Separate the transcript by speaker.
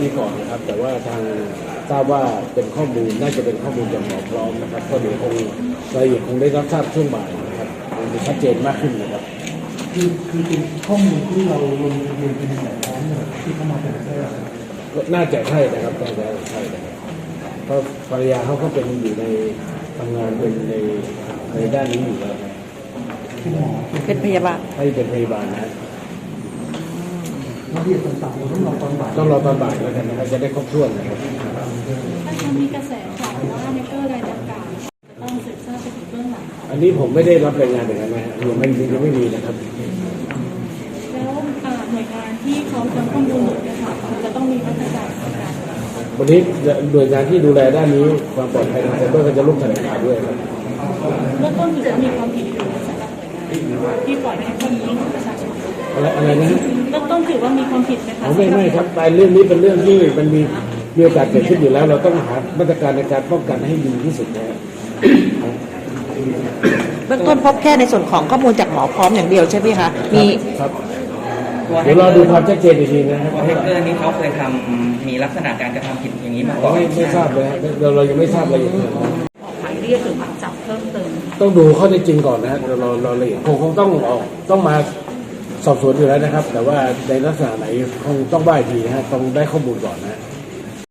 Speaker 1: นี้ก่อนนะครับแต่ว่าทางทราบว่าเป็นข้อมูลน่าจะเป็นข้อมูลจากหมอพร้อมนะครับก็เดี๋ยวคงรายละเอียดคงได้รับทราบช่วงบ่ายนะครับคงจะชัดเจนมากขึ้นนะครับ
Speaker 2: คือเป็นข้อมูลที่เราลงทะเบียนเป็นหมอพร้อมเนี่ยที่เข้ามาเป็นแพทย์
Speaker 1: น่าจะใช่นะครับน่าจะใช่นะครับเพราะภรรยาเขาก็เป็นอยู่ในทำงานเป็นในด้านนี้อยู่แล้ว
Speaker 3: เป็นพยาบาล
Speaker 1: ให้เป็นพยาบาลนะ
Speaker 2: ระเบียบต่างๆเราต้องรอตอนบ่าย
Speaker 1: แล้วกันนะครับจะได้ครบถ้วนนะครับ
Speaker 4: ถ้ามีกระแสข่าวว่าในเกอร์รายดังกล่าวต้องสืบทราบไปถึงเบื้องหลัง
Speaker 1: อันนี้ผมไม่ได้รับรายงานอย่างนั้นนะยังไม่มีนะครับ
Speaker 4: แล้วหน่วยงานที่เขาจะข้อมูลเนี่ยค่ะจะต้องมีมาตรการในการ
Speaker 1: วันนี้หน่วยงานที่ดูแลด้านนี้ความปลอดภัยทางไซเบอร์ก็จะร่วมแถลงข่าวด้วยครับ
Speaker 4: เบื้องต้นถือว่ามีความผิดอยู่สำหรับหน่วยงานที่ปล่อยให้ข้อมูลของประชาชน
Speaker 1: อะไรนะ
Speaker 4: เบื้องต้นถือว่ามีความผิดไหมคะ
Speaker 1: ไม่ครับแต่เรื่องนี้เป็นเรื่องที่มันมีโอกาสเกิดขึ้นอยู่แล้วเราต้องหามาตรการในการป้องกันให้ดีที่สุดนะครับ
Speaker 3: เบื้องต้นพบแค่ในส่วนของข้อมูลจากหมอพร้อมอย่างเดียวใช่ไหมคะมี
Speaker 1: ครับเดี๋ยวเราดูความชัดเจนอีกทีนะครับ
Speaker 5: ว่าแฮกเกอร์นี้เขาเคยมีลักษณะการกระทำผิดอย่างนี้มาก่อน
Speaker 1: ไม่ทราบเลยเรายังไม่ทราบอะไรอย่างเงี้ย
Speaker 4: ออกหมายเรียกหรือหมายจับเพิ่มเติม
Speaker 1: ต้องดูข้อเท็จจริงก่อนนะเราละเอียดคงต้องมาสอบสวนอยู่แล้วนะครับแต่ว่าในลักษณะไหนคงต้องได้ทีนะฮะต้องได้ข้อมูลก่อนนะ